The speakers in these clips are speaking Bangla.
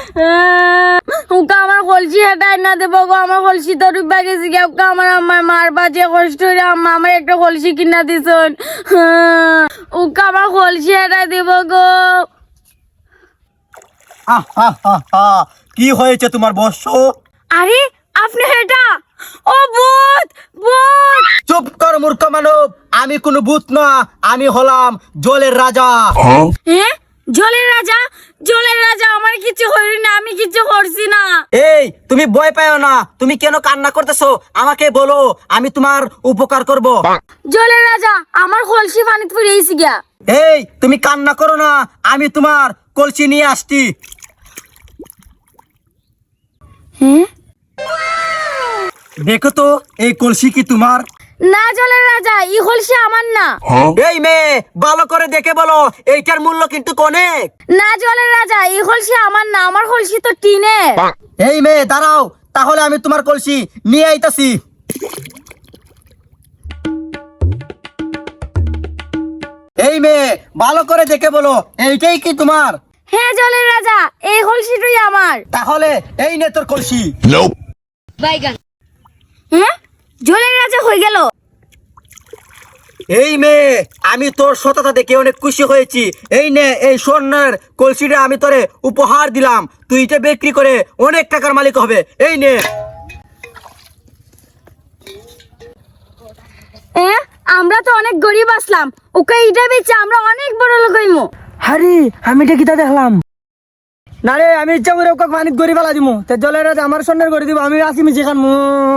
ওকে আমার কলসি হেঁটাই না দেবো গো, আমার কলসি তো ডুবা গেছি গে। ওকে আমার আম্মার মার বাজে কষ্ট হইলে আম্মা আমার একটা কলসি কিনা দিছন। ওকে আমার কলসি হেঁটাই দেবো গো। কি হয়েছে তোমার বৎস? আরে আপনি এটা, ও ভূত ভূত। চুপ কর মূর্খ মানব, আমি কোনো ভূত না, আমি হলাম জলের রাজা। হ্যাঁ জলের রাজা? জলের রাজা আমার কিছু হইল না, আমি কিছু করছি না। এই তুমি ভয় পাও না, তুমি কেন কান্না করতেছো আমাকে বলো, আমি তোমার উপকার করব। জলের রাজা আমার কলসি পানিতে পড়ে গেছি গিয়া। এই তুমি কান্না করো না, আমি তোমার কলসি নিয়ে আসছি। হ্যাঁ দেখো তো এই কলসি কি তোমার? না জলের রাজা, এই কলসি আমার না। এই মেয়ে ভালো করে দেখে বলো, এইটার মূল্য কিন্তু অনেক। না জলের রাজা, এই কলসি আমার না, আমার কলসি তো টিনের। এই মেয়ে দাঁড়াও, তাহলে আমি তোমার কলসি নিয়ে আইতাছি। এই মেয়ে ভালো করে দেখে বলো, এইটাই কি তোমার? হ্যাঁ জলের রাজা, এই কলসিটাই আমার। তাহলে এই নে তোর কলসি। হ্যাঁ জলের রাজা হয়ে গেল। এই মেয়ে আমি তোর সততা দেখে অনেক খুশি হয়েছি। এই নে এই স্বর্ণের কলসিটা আমি তোরে উপহার দিলাম, তুই এটা বিক্রি করে অনেক টাকার মালিক হবে। এই নে। হ্যাঁ আমরা তো অনেক গরিব আসলাম, ওকে এটা বেচে আমরা অনেক বড় লোক হইমু। হারি আমি এটা কিতা দেখলাম না রে, আমি ইচ্ছা করে ওকে পানিত গড়ি ফেলা দিমু, তে জলের রাজা আমার সন্ন্যার করে দিব, আমি আসি মিশি খানমু।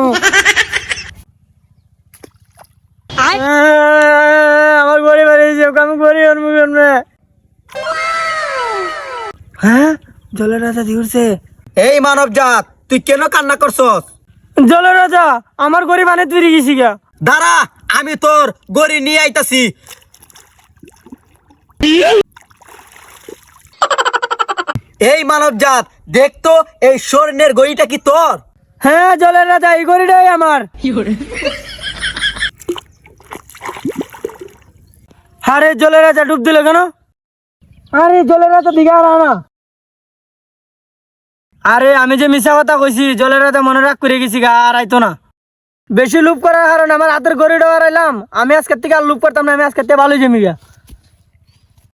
আমার গড়ি বাড়িয়েছে, ওকে আমি গড়ি আনবো কেমনে? হ্যাঁ জলের রাজা দিউরছে। এই মানব জাত, তুই কেন কান্না করছস? জলের রাজা আমার গড়ি পানিত ফিরে গেছি গা। দাঁড়া, আমি তোর গড়ি নিয়ে আইতাছি। এই মানব জাত, দেখতো এই স্বর্ণের গড়িটা কি তোর? হ্যাঁ জলের রাজা এই গড়িটাই আমার। আরে জলের রাজা ডুব দিল কেন? আরে জলের রাজা দিঘা না। আরে আমি যে মিশা কথা কইছি, জলের রাজা মনে রাখ করে গেছি গা, আর আইতো না। বেশি লুপ করার কারণে আমার হাতের গড়িটা হারাইলাম, আমি আজকের থেকে আর লুপ করতাম না, আমি আজকের থেকে ভালোই জমি গা।